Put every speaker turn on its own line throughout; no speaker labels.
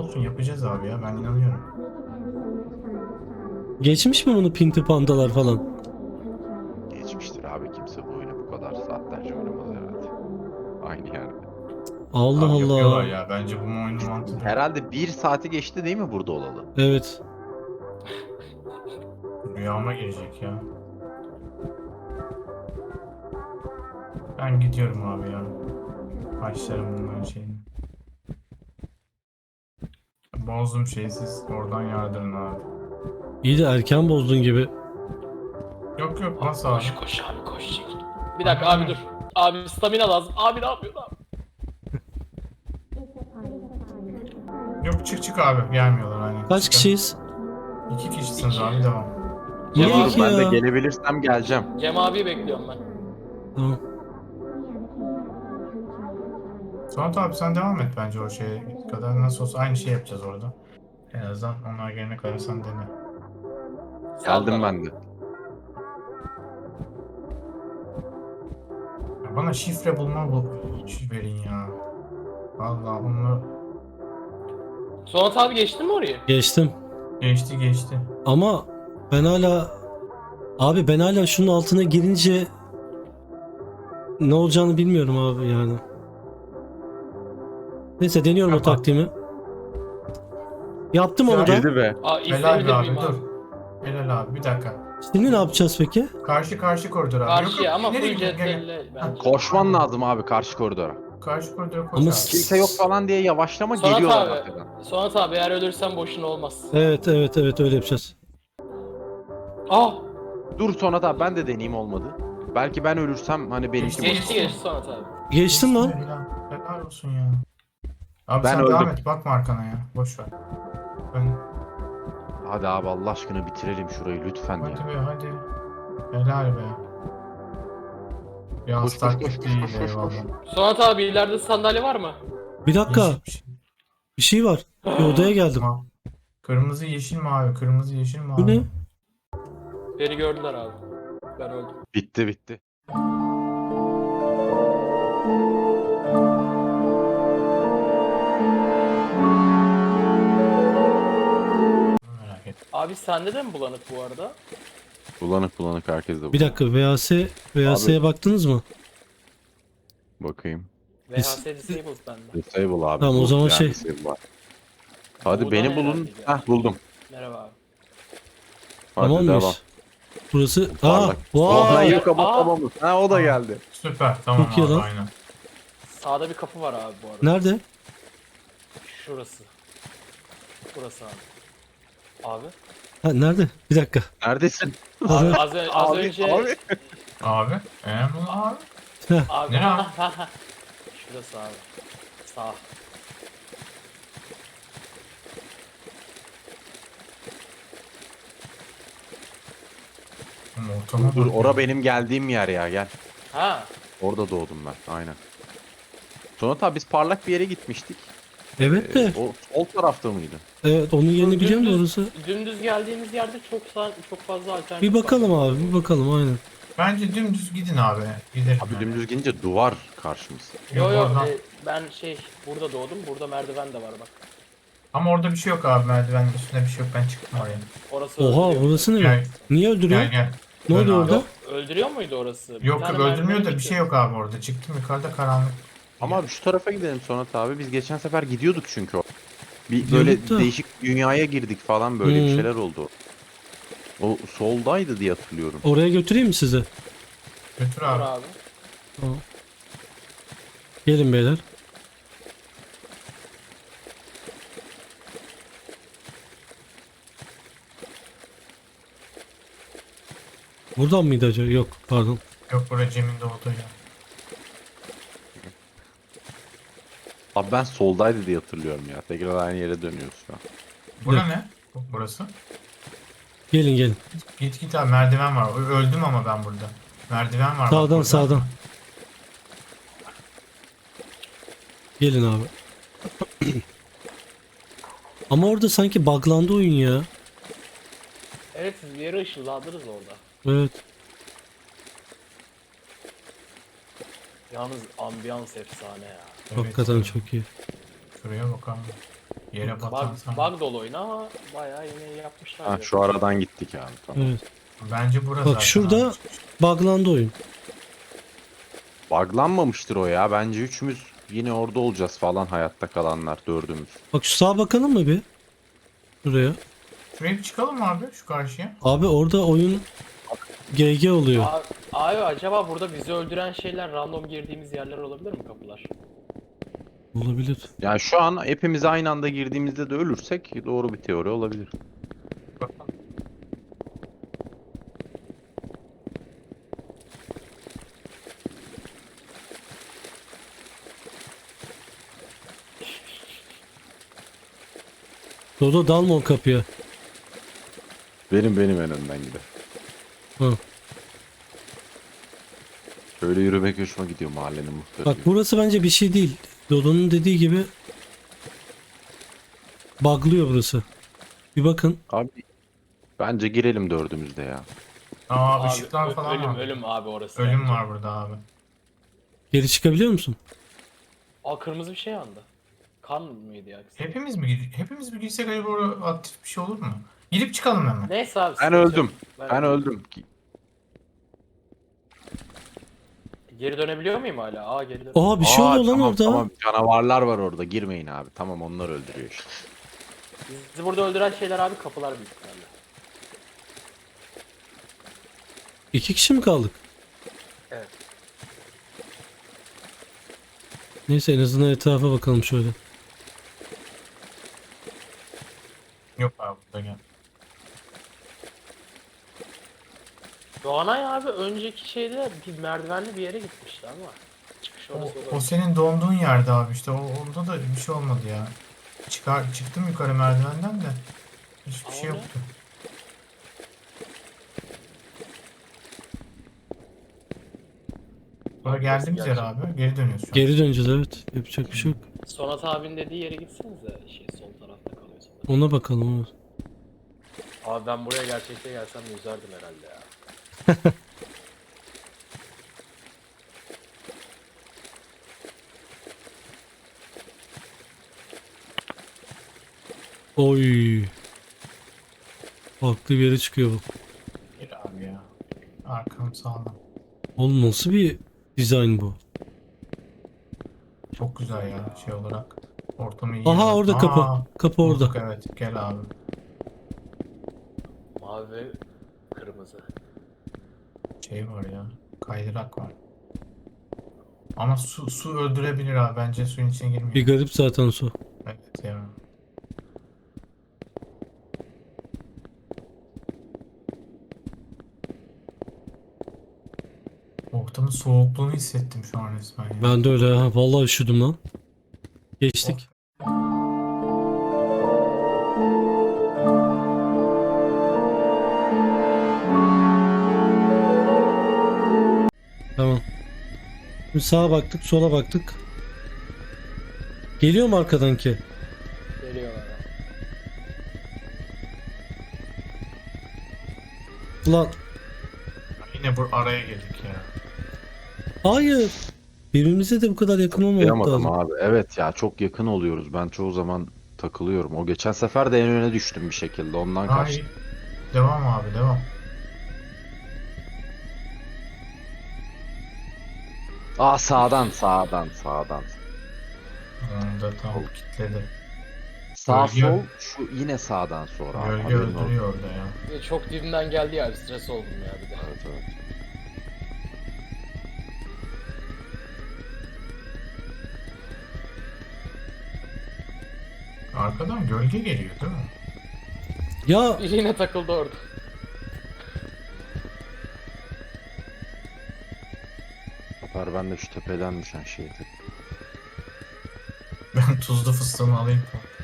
olsun yapacağız abi ya, ben inanıyorum.
Geçmiş mi bunu Pinti Pandalar falan?
Geçmiştir abi, kimse bu oyunu bu kadar saatlerce oynamaz herhalde. Aynı yerde.
Allah
Abi yapıyorlar
Allah.
ya, bence bu oyunun mantığı bu.
Herhalde bir saati geçti değil mi burada olalı?
Evet.
Rüyama girecek ya. Ben gidiyorum abi ya. Başlarım bunların şeyini. Bozdum şeyi, siz oradan yardırın abi.
İyi de erken bozdun gibi.
Yok yok, nasıl abi?
Koş koş abi koş çekil. Bir dakika abi dur. Abi stamina lazım. Abi ne yapıyorsun abi?
Yok, çık çık abi, gelmiyorlar aynen.
Kaç
Çıkın.
kişiyiz?
2 kişisiniz abi, devam.
Niye
Cem abi,
iki
Ben de
ya?
gelebilirsem geleceğim.
Cem abi bekliyorum ben.
Tamam.
Sonat abi sen devam et bence o şeye kadar, nasıl olsa aynı şey yapacağız orada. En azından onlar gelene kadar sen dene.
Geldim ben de.
Ya bana şifre bulma verin ya. Vallahi onu
Sonat abi geçtin mi orayı?
Geçtim.
geçti.
Ama ben hala... Abi ben hala şunun altına girince ne olacağını bilmiyorum abi yani. Neyse deniyorum o
Yapma.
taktiğimi. Yaptım onu da.
Girdi be.
Aa
Helal
izleyebilir
be abi,
miyim abi?
dur. Helal abi, bir dakika.
Şimdi ne yapacağız peki?
Karşı koridor abi.
Karşıya ama
nereye
full
gidiyorsun? Gel, gel.
CTRL bence.
Koşman lazım abi karşı koridora.
Karşı koridora koş
Ama
abi.
Kimse yok falan diye yavaşlama,
Sonat
geliyorlar
abi.
arkadan.
Sonat abi eğer ölürsen boşuna olmaz.
Evet öyle yapacağız.
Aa!
Dur Sonat abi, ben de deneyeyim, olmadı. Belki ben ölürsem hani benimki
Geçti,
Geçti geçti Sonat abi.
Geçtim lan.
Helal olsun ya. Abi
Ben
sen devam
öldüm.
et, bakma arkana ya. Boş ver.
Hadi abi Allah aşkına bitirelim şurayı lütfen
Hadi
ya.
be hadi. Helal be. Bir
Koş, koş,
taktik
koş, koş,
değil,
koş, koş, koş.
eyvallah.
Sonat abi ileride sandalye var mı?
Bir dakika.
Yeşil bir şey.
Bir şey var. Bir odaya geldim.
Kırmızı yeşil mavi, kırmızı yeşil mavi.
Bu ne?
Beni gördüler abi. Ben öldüm.
Bitti bitti.
Merak etme.
Abi sende de mi bulanık bu arada?
Bulanık bulanık, herkes de
Bir
bulanık.
dakika VAS'ye baktınız mı?
Bakayım.
VHS disabled bende.
Disable abi.
Tamam, o
bu
zaman
yani
şey-
disable var. Hadi
Buradan
beni
herhalde
bulun.
geldi.
Heh, buldum.
Merhaba abi.
Hadi
Tamam
devam.
mıyız? Burası... Aa!
Parlak. Oh,
Vay!
hayır kapatamamız. Ha, o da geldi.
Süper, tamam
Çok iyi
abi,
lan.
aynen.
Sağda bir kapı var abi bu arada.
Nerede?
Şurası. Burası abi. Abi.
Ha, nerede? Bir dakika.
Neredesin?
Abi az
Abi,
önce
abi.
Abi, bu abi.
abi.
Nereye abi?
Şurası abi. Sağ.
Ortama
Dur,
bak
ora
ya.
benim geldiğim yer ya, gel.
Ha.
Orada doğdum ben, aynen. Sonra tabi biz parlak bir yere gitmiştik.
Evet de.
O sol tarafta mıydı?
Evet, onun yerini biliyorum da orası.
Dümdüz geldiğimiz yerde çok fazla alternatif
Bir bakalım
var.
abi, bir bakalım aynen.
Bence dümdüz gidin abi. Gidelim.
Abi dümdüz gidince duvar karşımız.
Yo yo
oradan.
ben burada doğdum. Burada merdiven de var bak.
Ama orada bir şey yok abi, merdivenin üstünde bir şey yok, ben çıktım oraya.
Orası
Oha,
öldürüyor.
orası ne?
Gel.
Niye öldürüyor?
Gel.
Ne
Dön
oluyor
abi.
orada?
Yok, öldürüyor muydu orası? Bir
Yok
tane
öldürmüyor da
merdivene
bir şey yok abi orada. Çıktım yukarıda, karanlık.
Ama abi şu tarafa gidelim Sonat abi. Biz geçen sefer gidiyorduk çünkü o. Bir
Gidiyorduk
böyle
da.
değişik dünyaya girdik falan, böyle bir
Hı.
şeyler oldu. O soldaydı diye hatırlıyorum.
Oraya götüreyim mi sizi?
Götür
Dur
abi.
abi.
Tamam. Gelin beyler. Buradan mıydı acaba? Yok, pardon.
Yok, buraya Cem'in de olduğu ya.
Abi ben soldaydı diye hatırlıyorum ya. Tekrar aynı yere dönüyoruz şu an.
Bura ne? Burası.
Gelin.
Git abi, merdiven var. Öldüm ama ben burada. Merdiven var. bak
Sağdan
burada.
sağdan. Gelin abi. Ama orada sanki buglandı oyun ya.
Evet siz bir yere ışınlandınız orada.
Evet.
Yalnız ambiyans efsane ya.
Evet.
Hakikaten çok iyi.
Şuraya bak abi. Yere batan
Bug dolu oyun ama bayağı yine yapmışlar.
Ha,
ya.
şu aradan gittik abi. Tamam.
Evet.
Bence burası
Bak
zaten
şurada
abi.
buglandı oyun.
Buglanmamıştır o ya. Bence üçümüz yine orada olacağız falan, hayatta kalanlar dördümüz.
Bak şu sağa bakalım mı bir? Şuraya.
Şuraya bir çıkalım mı abi şu karşıya?
Abi orada oyun GG oluyor.
Abi acaba burada bizi öldüren şeyler random girdiğimiz yerler olabilir mi, kapılar?
Olabilir.
Yani şu an hepimiz aynı anda girdiğimizde de ölürsek doğru bir teori olabilir.
Bakalım.
Dodo dalma o kapıya.
Benim en önden gider.
Hı.
Böyle yürümek hoşuma gidiyor mahallenin muhtarı
Bak
gibi.
burası bence bir şey değil. Dodo'nun dediği gibi buglıyor burası. Bir bakın.
Abi bence girelim dördümüz de ya.
Aa
Abi,
ışıklar falan
ölüm
var.
ölüm abi orası.
Ölüm
bence.
var burada abi.
Geri çıkabiliyor musun?
Aa, kırmızı bir şey yandı. Kan mıydı ya?
Hepimiz mi girsek acaba orada aktif bir şey olur mu? Gidip çıkalım hemen.
Neyse abi.
Ben
sıkıntı yok.
öldüm. Ben öldüm.
Geri dönebiliyor muyum hala? Aa, geri dön.
Oha bir şey oluyor lan
tamam,
orada.
Tamam, canavarlar var orada, girmeyin abi. Tamam, onlar öldürüyor işte.
Bizi burada öldüren şeyler abi kapılar büyük ihtimalle.
2 kişi mi kaldık?
Evet.
Neyse en azından etrafa bakalım şöyle.
Yok abi burada gel.
Doğanay abi önceki şeyde bir merdivenli bir yere gitmişti ama. Çıkış
O,
orası
o
olabilir.
senin donduğun yerde abi işte. Orada da bir şey olmadı ya. Çıktım yukarı merdivenden de. Hiçbir şey
Ama ne?
yoktu. Sonra
Abi,
geldiğimiz yer
gerçek.
abi. Geri dönüyoruz şu an.
Geri döneceğiz evet. Yapacak bir şey yok.
Sonat abinin dediği yere gitsenize, sol tarafta kalıyorsa.
Ona bakalım. Ona.
Abi ben buraya gerçekte gelsem yüzerdim herhalde ya.
Oy. Farklı bir yere çıkıyor bu.
Gir abi ya. Arkam sağlam.
Oğlum nasıl bir dizayn bu?
Çok güzel ya şey olarak. Ortamı iyi.
Aha
ya.
orada kapı. Kapı orada.
bulduk, evet. Gel abi.
Mavi ve kırmızı.
Şey var ya. Kaydırak var. Ama su öldürebilir abi. Bence suyun içine girmeyin.
Bir garip zaten su.
Evet ya. Ortamın soğukluğunu hissettim şu an resmen ya.
Ben de öyle ha. Vallahi üşüdüm lan. Geçtik. Tamam. Şimdi sağa baktık, sola baktık. Geliyor mu arkadan ki?
Geliyorlar abi.
Ulan
Yine bu araya girdik ya.
hayır. Birbirimize de bu kadar yakın olmamak
Yapamadım
lazım.
abi. Evet ya, çok yakın oluyoruz. Ben çoğu zaman takılıyorum. O geçen sefer de en öne düştüm bir şekilde. Ondan
Ay.
kaçtım.
Devam abi devam.
Aa, sağdan.
Onu da tam kilitledi.
Sağ
Gölge-
sol, şu yine sağdan sonra. abi.
Gölge
Haberin olsun.
öldürüyor orada ya.
Bir de çok dibinden geldi ya, stres oldum ya bir de.
Evet, evet.
Arkadan gölge geliyor değil mi?
Ya
Yine takıldı orada.
Haber, ben de şu tepeden düşen şeyi
Ben tuzlu fıstığımı alayım.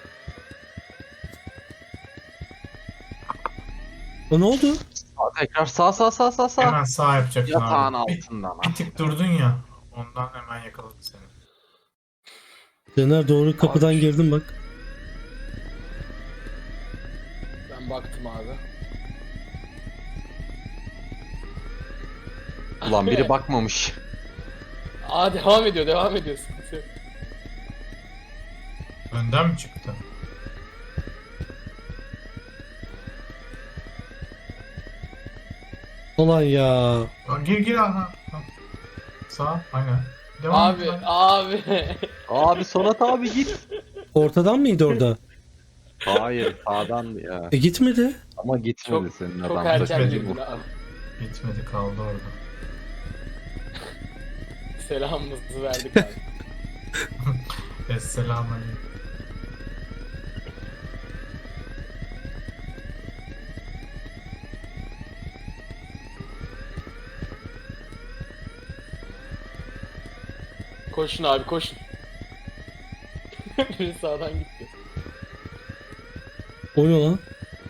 ne oldu?
Tekrar sağ.
Hemen sağ yapacaksın
Yatağın
abi.
altından.
Bir tık durdun ya. Ondan hemen yakaladı seni.
Caner doğru kapıdan
Abi.
girdim bak.
Ben baktım abi.
Ulan biri bakmamış.
Aa, devam ediyor sıkıntı yok.
Önden mi çıktı?
Ulan ya.
Gir aha. Ha. Sağ aynen. Devam
Abi
et, hadi.
abi.
Abi Sonat abi git.
Ortadan mıydı orada?
Hayır sağdan ya.
Gitmedi.
Ama gitmedi
Çok
senin
çok
adam.
erken
Gitmedi
girdin
bu.
abi.
Gitmedi kaldı orada.
Selamımızı verdik abi.
Esselamun
Koşun abi koşun. Biri sağdan gitti.
O ne lan?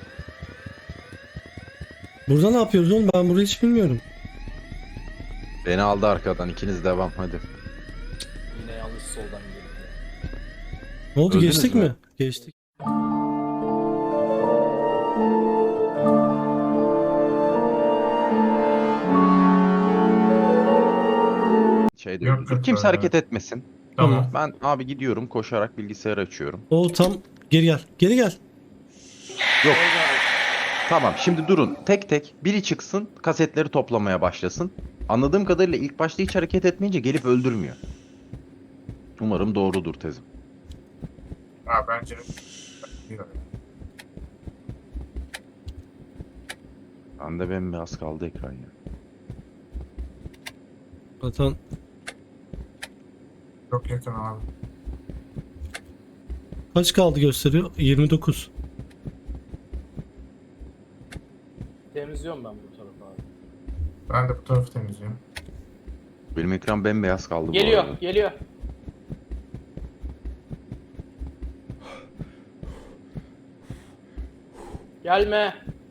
Burada ne yapıyoruz oğlum? Ben burayı hiç bilmiyorum.
Beni aldı arkadan. İkiniz devam hadi.
Yine yanlış soldan girdi.
Ne oldu?
Öldünüz
Geçtik
mü?
mi? Geçtik.
Şeyde
Yok, yok,
kimse
öyle.
hareket etmesin.
Tamam.
Ben abi gidiyorum koşarak bilgisayarı açıyorum.
O tam geri gel. Geri gel.
Yok.
Orada abi.
Tamam şimdi durun. Tek tek biri çıksın kasetleri toplamaya başlasın. Anladığım kadarıyla ilk başta hiç hareket etmeyince gelip öldürmüyor. Umarım doğrudur tezim.
Ha bence.
Bende bembeyaz kaldı ekran ya.
Zaten
Çok yakın abi.
kaç kaldı gösteriyor? 29.
Temizliyorum ben bu tarafı abi.
Ben de bu tarafı temizliyorum.
Benim ekran bembeyaz kaldı bu
Geliyor
arada.
geliyor. Gelme.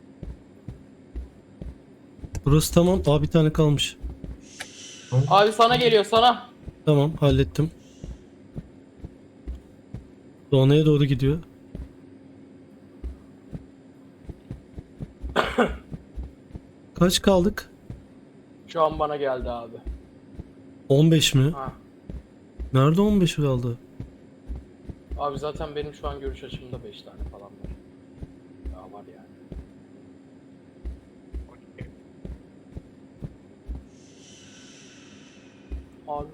Burası tamam. Aa bir tane kalmış.
Abi sana geliyor sana.
Tamam hallettim. Doğanaya doğru gidiyor. Kaç kaldık?
Şu an bana geldi abi.
15 mi?
Ha.
Nerede 15 kaldı?
Abi zaten benim şu an görüş açımda 5 tane falan var. Daha var yani. Abi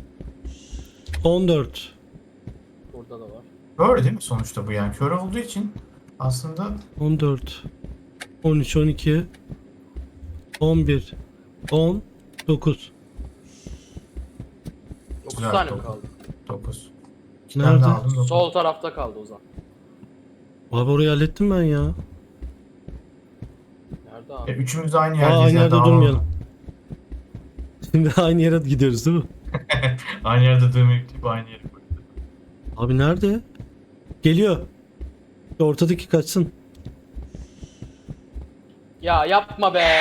14.
burada da var.
Kör değil mi sonuçta bu yani? Kör olduğu için aslında
14. 13, 12. 11. 10. 9.
9
Güzel,
tane mi
dokuz.
kaldı?
9.
Nerede?
Sol tarafta kaldı o zaman.
Abi orayı hallettim ben ya.
Nerede abi?
Üçümüz de aynı
Aa,
yerdeyiz.
aynı
ya,
yerde
dağılalım.
durmayalım. Şimdi aynı yere gidiyoruz değil mi?
Aynı yerde durmayıp aynı yere koyduk.
Abi nerede? Geliyor. Şu ortadaki kaçsın.
Ya yapma be.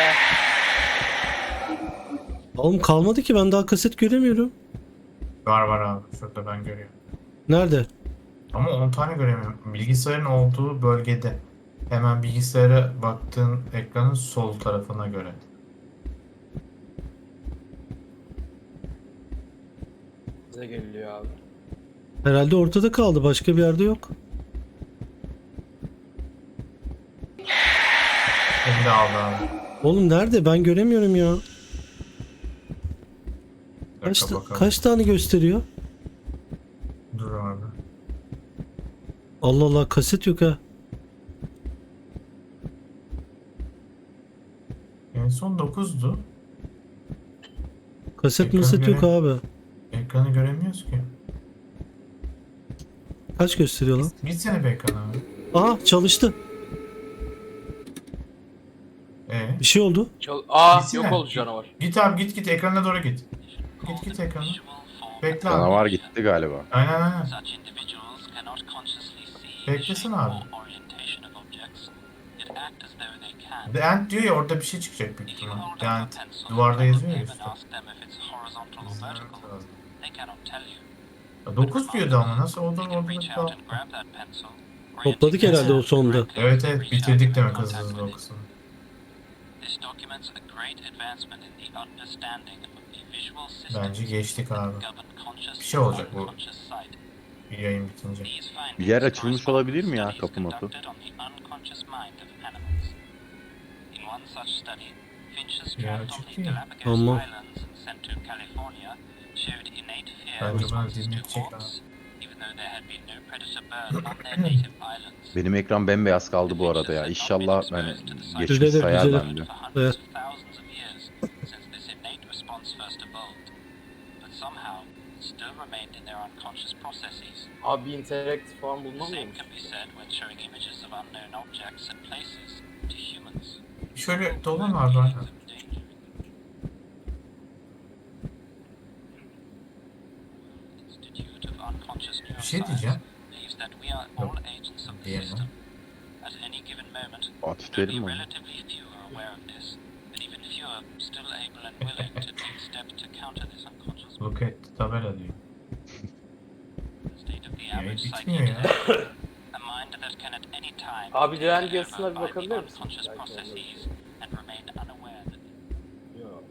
Oğlum kalmadı ki ben daha kaset göremiyorum.
Var abi. Şurada ben görüyorum.
Nerede?
Ama 10 tane göremiyorum. Bilgisayarın olduğu bölgede. Hemen bilgisayara baktığın ekranın sol tarafına göre.
Bize geliyor abi.
Herhalde ortada kaldı. Başka bir yerde yok.
Beni de aldı abi.
Oğlum nerede? Ben göremiyorum ya.
Bir dakika bakalım.
Kaç tane gösteriyor?
Dur abi.
Allah Allah kaset yok ha.
En son 9'du.
Kaset
Ekranı
maset yok abi.
Ekranı göremiyoruz ki.
Kaç gösteriyor lan?
Gitsene be ekrana abi.
Aha çalıştı. Bir şey oldu.
Aa
Gitsene.
yok oldu canavar.
Git abi git ekrana doğru git. Git ekrana. Bekle abi.
Canavar gitti galiba.
Aynen.
Such individuals cannot consciously see the
Beklesin
shape
abi.
or orientation of objects, yet act as though they can.
The End diyor ya orada bir şey çıkacak büyük
If you
ihtimal.
hold
The
up a
End
pencil
duvarda
in front
yazıyor
of
ya
them
işte.
and ask them if it's horizontal or vertical, they cannot tell you.
9 diyordu ama nasıl oldu
You can
orada
reach
da
out and grab that pencil.
Topladık herhalde o sonunda.
Evet bitirdik demek hızlı o kısmını.
This documents a great advancement in the understanding of the visual systems
Bence geçtik abi.
that govern conscious
Bir şey olacak
and
bu.
unconscious sight.
Yayın bitince.
These findings
Bir yer açılmış
correspond
olabilir
with
mi ya
studies
kapı mapı?
conducted on the unconscious mind of animals. In one such study, finches
Yeah,
trapped on the
chicken.
Galapagos
Tamam.
Islands and sent to California showed innate fear
Bence bana
responses to
dinletecek
hawks,
abi.
even though there had been no predator bird on their native islands.
Benim ekran bembeyaz kaldı bu arada ya. İnşallah hani geçmiş
Düzelir,
sayar
düzelir.
bende.
For hundreds
Evet.
of thousands of years since this innate response first evolved, but somehow it still remained in their unconscious processes.
Abi interaktif falan
The
bulmam
same
mı?
can be said when showing images of unknown objects and places to humans.
Şöyle dolan abi aynen.
Institute of Unconscious
Bir şey
Neuroscience
diyeceğim.
believes that we are all agents of the
Diyemem.
system. At any given moment,
Fatih
only
Terim mi?
relatively few are aware of this, but even fewer still able and willing to take steps to counter this unconscious
Look at tabela diyor.
state of the
Ya
average
bitmiyor ya.
psyche. A mind that can at any time
Abi
be
diren
taken
yazısına
over
bir
by the
bakabilir misin?
unconscious
Belki olur.
processes and remain unaware that
Yok.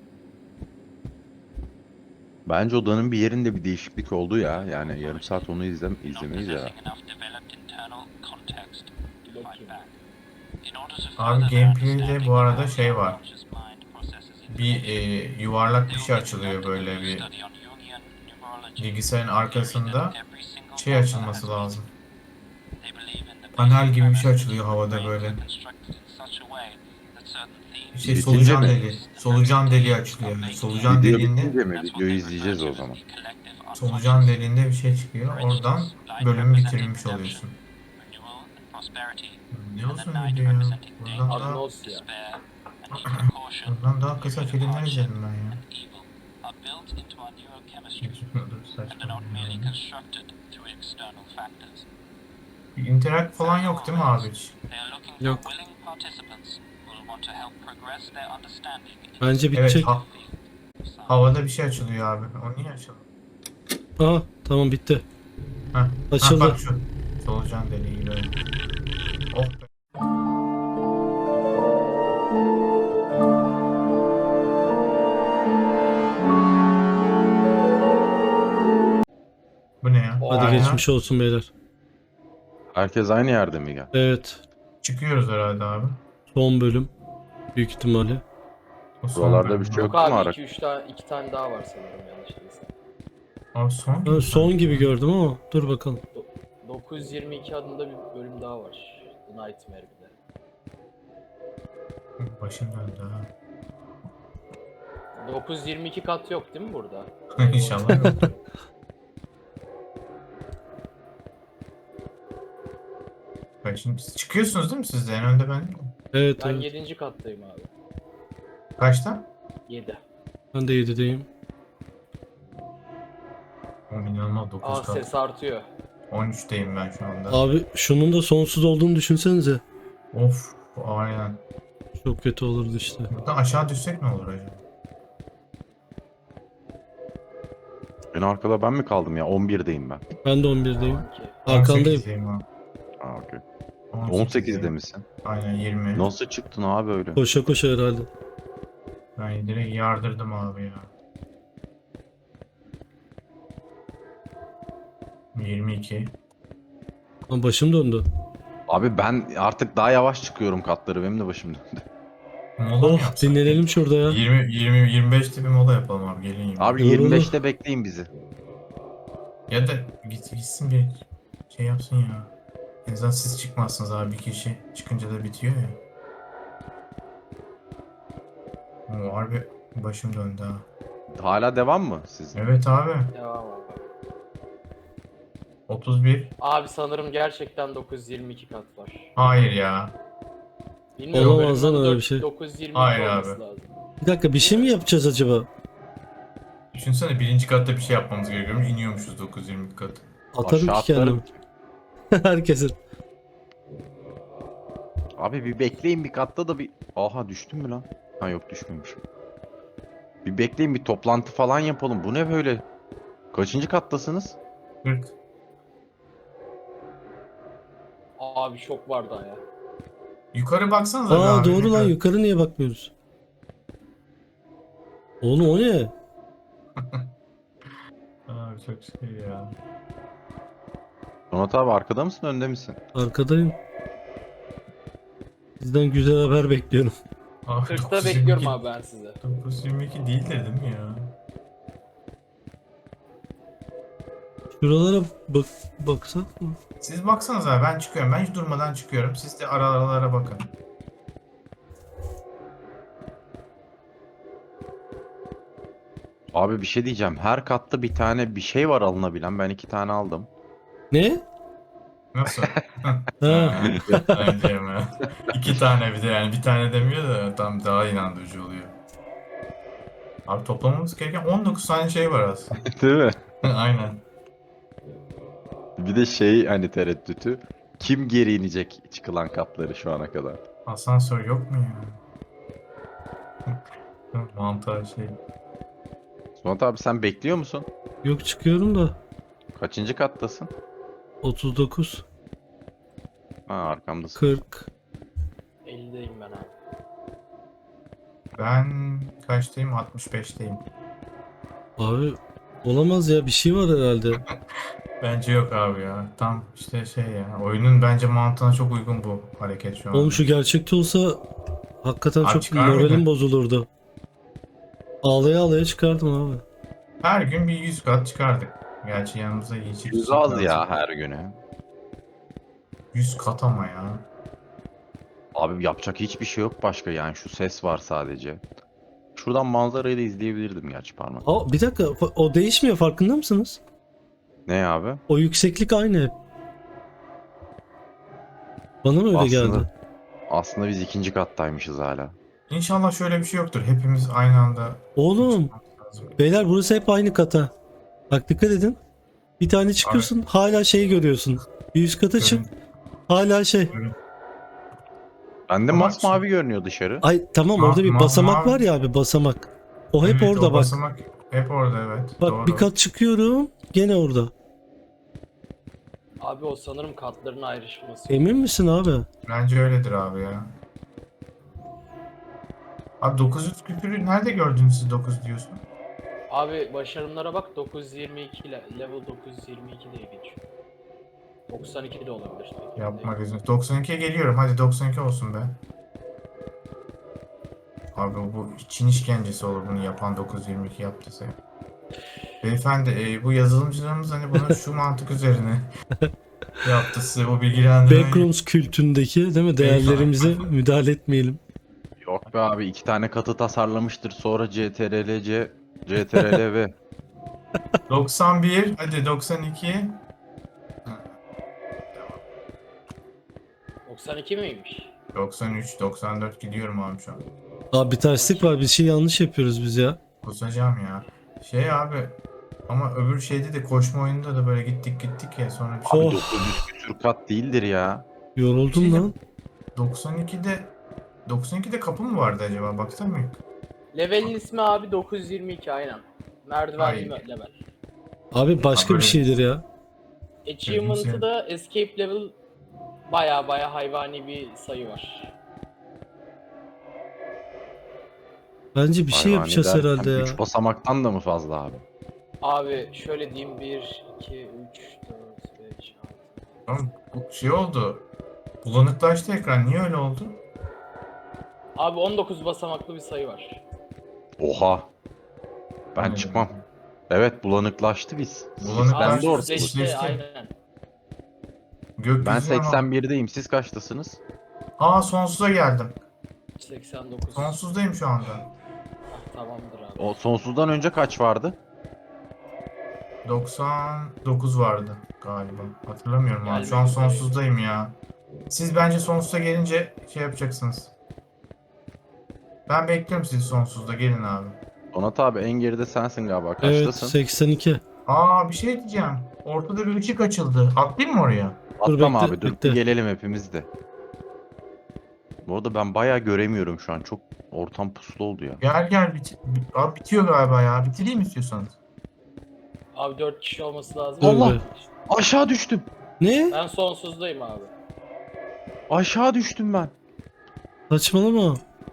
Bence odanın bir yerinde bir değişiklik oldu ya. Yani yarım saat onu izlemeyiz ya.
possessing enough developed internal context to fight
Bakayım.
back. In order to
Abi
further their
gameplay'de
understanding
bu
of
arada
how
şey
the
var.
unconscious mind processes
Bir
information,
yuvarlak bir
they
şey
will be
açılıyor
conducting
böyle
a
bir
study on Jungian numerology,
bilgisayarın arkasında
theory that every single
şey
number
açılması
has
lazım.
meaning. They believe in the
Panel
basic
gibi bir şey
premise
açılıyor
that
havada
brains
böyle.
are constructed in such a way that certain themes
Şey
Bitince
solucan
mi?
deliği. Solucan deliği açılıyor. Yani solucan
Video
deliğinde
bitince mi? Videoyu izleyeceğiz o zaman.
solucan deliğinde bir şey çıkıyor. Oradan bölümü bitirmiş oluyorsun.
renewal and prosperity,
Ne
and the
olsun
night
video ya?
representing
Buradan
danger,
daha,
Agnos ya.
despair, and even caution.
buradan daha kısa
Human
filmler
hardship
izledim ben ya.
and evil are built into our neurochemistry
Dur,
and are
saçma
not merely
ya.
constructed through external factors.
Bir interact falan yok değil mi abi hiç?
They are looking
Yok.
for willing participants who will want to help progress their understanding in
Bence
this
bitecek.
Evet
field of science.
havada bir şey açılıyor abi. O niye açıldı?
Aha tamam bitti.
Heh.
Açıldı.
Ha, bak şu. Solucan deliği böyle. Oh be. Bu ne ya?
Hadi
Aynen.
geçmiş olsun beyler.
Herkes aynı yerde mi gel?
Evet.
Çıkıyoruz herhalde abi.
Son bölüm. Büyük ihtimalle.
O son
Buralarda
bölüm
bir şey
abi.
yok.
Yok
mu
abi
ara?
2-3 tane 2 tane daha var sanırım yanlış değilsem.
Abi son
Ben son gibi gördüm ama dur bakalım.
922 adında bir bölüm daha var. The Nightmare bir de.
Başım döndü ha.
922 kat yok değil mi burada?
İnşallah yok. Bak şimdi siz çıkıyorsunuz değil mi siz de? En önde ben değilim.
Evet
Ben
evet.
7. kattayım abi.
Kaçta?
7.
Ben de 7'deyim.
O inanılmaz 9
Aa
kat.
ses artıyor.
13'teyim ben şu anda.
Abi şunun da sonsuz olduğunu düşünsenize.
Of aynen.
Çok kötü olurdu işte.
Buradan aşağı düşsek ne olur acaba?
En arkada ben mi kaldım ya? 11'deyim ben.
Ben de 11'deyim.
Ki.
Arkandayım.
18'deyim abi.
Aa, okey.
18'deyim.
18'de misin?
Aynen 20.
Nasıl çıktın abi öyle?
Koşa koşa herhalde.
Ben direkt yardırdım abi ya. 22.
Ama başım döndü.
Abi ben artık daha yavaş çıkıyorum katları. Benim de başım döndü.
Mola mı
Oh
yapsak?
dinlenelim şurada ya.
25'te bir mola yapalım abi gelin.
Abi
Olur,
25'te bekleyin bizi.
Ya da gitsin bir şey yapsın ya. En azından siz çıkmazsınız abi bir kişi. Çıkınca da bitiyor ya. O harbi başım döndü ha.
Hala devam mı sizin?
Evet abi.
Devam abi.
31.
Abi sanırım gerçekten 922 kat var.
Hayır ya.
Bilmiyorum.
Olamaz lan
bölümün
öyle
adı
bir şey.
922
Hayır
olması
abi.
lazım.
Bir dakika bir şey mi yapacağız acaba?
Düşünsene birinci katta bir şey yapmamız gerekiyormuş. İniyormuşuz 920 kat.
Atarım
Aşağı
ki kendimi.
atlarım.
Herkesin.
Abi bir bekleyin bir katta da bir... Aha düştüm mü lan? Ha yok düşmemişim. Bir bekleyin bir toplantı falan yapalım. Bu ne böyle? Kaçıncı kattasınız?
40.
Abi çok var daha ya.
Yukarı baksanıza be
Aa
abi.
doğru lan
yukarı.
yukarı niye bakmıyoruz? Oğlum o ne?
Abi çok şey ya.
Donat abi arkada mısın önde misin?
Arkadayım. Sizden güzel haber bekliyorum.
Abi
40'ta
922
bekliyorum abi ben sizi.
922 değildir değil mi ya?
Şuralara baksak mı?
Siz baksanız abi, ben çıkıyorum. Ben hiç durmadan çıkıyorum. Siz de aralara bakın.
Abi bir şey diyeceğim. Her katta bir tane bir şey var alınabilen. Ben 2 tane aldım.
Ne?
Nasıl?
Ha.
Bence mi? 2 tane bir de, yani bir tane demiyor da tam daha inandırıcı oluyor. Abi toplamamız gereken 19 tane şey var aslında.
Değil mi?
Aynen.
Bir de şey hani tereddütü. Kim geri inecek çıkılan katları şu ana kadar?
Asansör yok mu ya? Mantar şey.
Suat abi sen bekliyor musun?
Yok, çıkıyorum da.
Kaçıncı kattasın?
39,
Ha arkamdasın.
40.
50'deyim ben abi.
Ben kaçtayım? 65'teyim.
Abi olamaz ya, bir şey var herhalde.
Bence yok abi ya. Tam işte şey ya. Oyunun bence mantığına çok uygun bu hareket şu an.
Oğlum şu gerçekte olsa hakikaten
Abi
çok
çıkar
moralim
mıydı?
bozulurdu. Ağlaya ağlaya çıkardım abi.
Her gün bir 100 kat çıkardık. Gerçi yanımıza iyi çift
Yüz
çift
az
lazım.
ya her günü.
100 kat ama ya.
Abi yapacak hiçbir şey yok başka yani şu ses var sadece. Şuradan manzarayı da izleyebilirdim gerçi parmak.
Aa, bir dakika, o değişmiyor, farkında mısınız?
Ne abi?
O yükseklik aynı hep. Bana mı öyle geldi?
Aslında biz 2. kattaymışız hala.
İnşallah şöyle bir şey yoktur. Hepimiz aynı anda
Oğlum,
çıkmamız lazım.
beyler burası hep aynı kata. Bak dikkat edin. Bir tane çıkıyorsun, hala şeyi görüyorsun. Bir üst kata çık,
Görün-
hala şey.
görün.
Bende
Ama
masmavi görünüyor dışarı.
Ay tamam, orada bir basamak var ya abi, basamak. O hep
Evet,
orada
o
bak.
basamak hep orada, evet.
Bak
Doğru.
bir kat çıkıyorum, gene orada.
Abi o sanırım katların ayrışması.
Emin misin abi?
Bence öyledir abi ya. Abi 900 küpürü nerede gördünüz siz 9 diyorsun?
Abi başarımlara bak, 922 ile level 922 diye geçiyor. 92 de olabilir.
Yapma gözünü. 92'ye geliyorum. Hadi 92 olsun be. Abi bu Çin işkencesi olur bunu yapan, 922 yaptıysa. Beyefendi bu yazılımcılarımız hani bunu şu mantık üzerine yaptı, size bu bilgilendirmeyi.
Backrooms kültündeki değil mi? Değerlerimize müdahale etmeyelim.
Yok be abi 2 tane katı tasarlamıştır sonra CTRL-C, CTRL-V.
91, hadi 92.
92 miymiş?
93, 94 gidiyorum abi şu an.
Abi bir terslik var, bir şey yanlış yapıyoruz biz ya.
Kusacağım ya. Şey abi, ama öbür şeyde de, koşma oyununda da böyle gittik ya, sonra bir şey.
Abi
Oh.
900 küsür kat değildir ya.
Yoruldum
Şey-
lan.
92'de kapı mı vardı acaba? Baksana mı?
Level'in ismi abi 922 aynen. Merdivenli
Hayır.
level.
Abi başka bir
Abi-
şeydir ya.
Achievement'ı da escape level baya hayvani bir sayı var.
Bence bir şey
Hayvani
yapacağız
derken
herhalde ya.
3 basamaktan da mı fazla abi?
Abi şöyle diyeyim, 1, 2, 3, 4, 5, 6.
Tamam, bu şey oldu. Bulanıklaştı ekran. Niye öyle oldu?
Abi 19 basamaklı bir sayı var.
Oha. Ben
Aynen.
çıkmam. Evet bulanıklaştı biz.
Bulanıklaştı.
Ben de orada.
Düzleşti.
Düzleşti aynen.
Gökyüzüne
Ben
bak.
81'deyim. Siz kaçtasınız?
Aa, sonsuza geldim.
89.
Sonsuzdayım şu anda.
Ah, tamamdır abi.
O sonsuzdan önce kaç vardı?
99 vardı galiba. Hatırlamıyorum abi. Şu an
Gelmek üzere.
sonsuzdayım ya. Siz bence sonsuza gelince şey yapacaksınız. Ben bekliyorum sizi sonsuzda. Gelin abi.
Donat abi en geride sensin galiba.
Evet,
Kaçtasın?
82.
Aa, bir şey diyeceğim. Ortada bir ışık açıldı. Atlayayım mı oraya?
Atlama
bekle,
abi dur
bekle.
gelelim hepimiz de. Bu arada ben bayağı göremiyorum şu an. Çok ortam puslu oldu ya.
Gel abi, bitiyor galiba ya. Bitireyim istiyorsanız.
Abi 4 kişi olması lazım.
Dur
Allah!
be.
Aşağı düştüm.
Ne?
Ben sonsuzdayım abi.
Aşağı düştüm ben.
Saçmalama.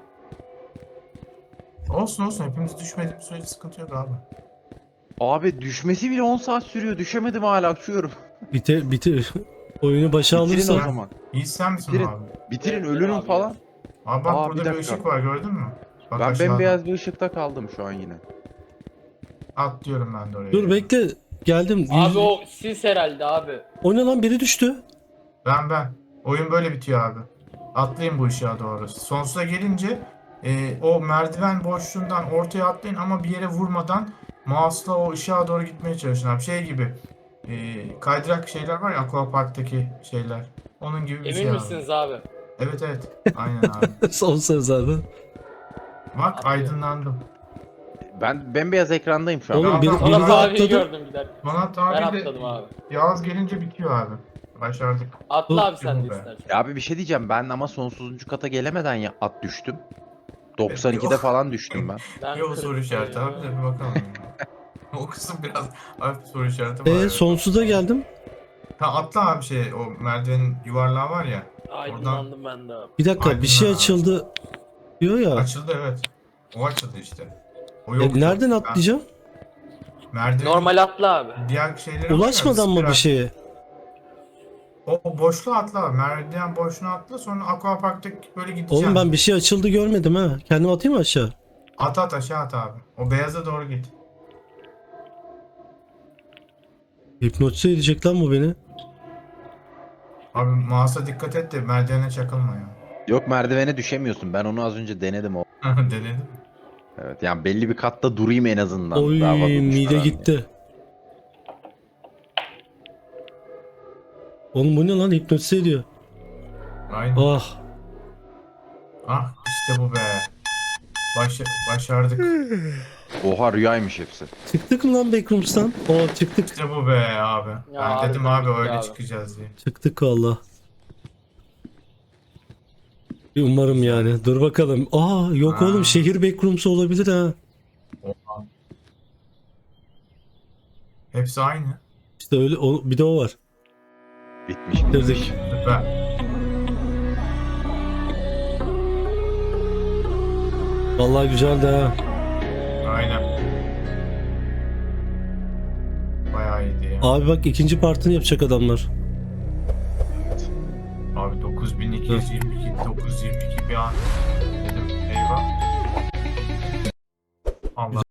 Olsun, hepimiz düşmediğimiz sürece sıkıntı yok abi.
Abi düşmesi bile 10 saat sürüyor. Düşemedim hala uçuyorum.
Bitir. Oyunu başa
Bitirin o
alırsan.
zaman.
İyi, sen misin
Bitirin.
abi?
Bitirin
Evet,
ölürüm
abi,
falan.
evet.
Abi bak
Aa, bir
burada bir
dakika.
ışık var gördün mü? Bak
Ben
aşağıda.
bembeyaz bir ışıkta kaldım şu an yine.
Atlıyorum ben de oraya.
Dur bekle. Geldim.
Abi o siz herhalde abi.
O ne lan, biri düştü.
Ben. Oyun böyle bitiyor abi. Atlayın bu ışığa doğru. Sonsuza gelince o merdiven boşluğundan ortaya atlayın ama bir yere vurmadan mouse'la o ışığa doğru gitmeye çalışın abi. Şey gibi kaydırak şeyler var ya Aquapark'taki şeyler. Onun gibi bir
Emin
şey abi.
misiniz abi?
Evet. Aynen abi.
Son söz abi.
Bak
Atlıyorum.
aydınlandım.
Ben bembeyaz ekrandayım şu an.
Oğlum
Tamam,
biri,
tamam.
biri
Sonra
de
abiyi
atladı.
gördüm giderken.
Donat
Ben
abi de
atladım abi.
Yağız gelince bitiyor abi. Başardık.
Atla
Dur.
abi sen de
Be.
istersen.
Ya abi bir şey diyeceğim, ben ama sonsuzuncu kata gelemeden ya at düştüm. 92'de
Yok.
falan düştüm ben.
Ben
Yok soru işareti abi de bir bakalım. O kısım biraz hafif soru işareti var. evet.
Sonsuza geldim.
Ha, atla abi o merdivenin yuvarlağı var ya.
Aydınlandım ben de abi.
Bir dakika, bir şey
Aydınlan abi.
açıldı diyor ya.
Açıldı evet. O açıldı işte. O yok.
Nereden
Ben
atlayacağım?
merdivenin
Normal atla abi.
diğer şeyleri var ya,
Ulaşmadan mı
spiral.
bir şeye?
O boşluğa atla. Merdiven boşluğuna atla sonra Aquapark'taki böyle gideceksin.
Oğlum ben bir şey açıldı görmedim ha. Kendim atayım mı aşağı?
At aşağı at abi. O beyaza doğru git.
Hipnotize edecek lan bu beni.
Abi mouse'a dikkat et de merdivene çakılma ya.
Yok, merdivene düşemiyorsun. Ben onu az önce denedim.
Denedim.
Evet, yani belli bir katta durayım en azından.
Oy,
Daha fazla
mide
düşmeden diye.
gitti. Oğlum bu ne lan, hipnotize ediyor.
Aynen.
Ah.
Ah işte bu be. Başardık.
Oha, rüyaymış hepsi.
Çıktık mı lan Backrooms'tan? Çıktık.
İşte bu be abi.
Ya
Ben dedim
harbiden
abi
bitti
öyle
abi.
çıkacağız diye.
Çıktık valla. Umarım yani. Dur bakalım. Yok
Aa.
oğlum, şehir Backrooms'u olabilir ha.
Oha. Hepsi aynı.
İşte öyle, bir de o var.
Bitmiş.
Bitirdik.
Süper.
Vallahi güzeldi ha.
Aynen. Bayağı iyiydi ya.
Abi bak, ikinci partını yapacak adamlar.
Abi 9222, 922 bir an. Dedim eyvah. Allah.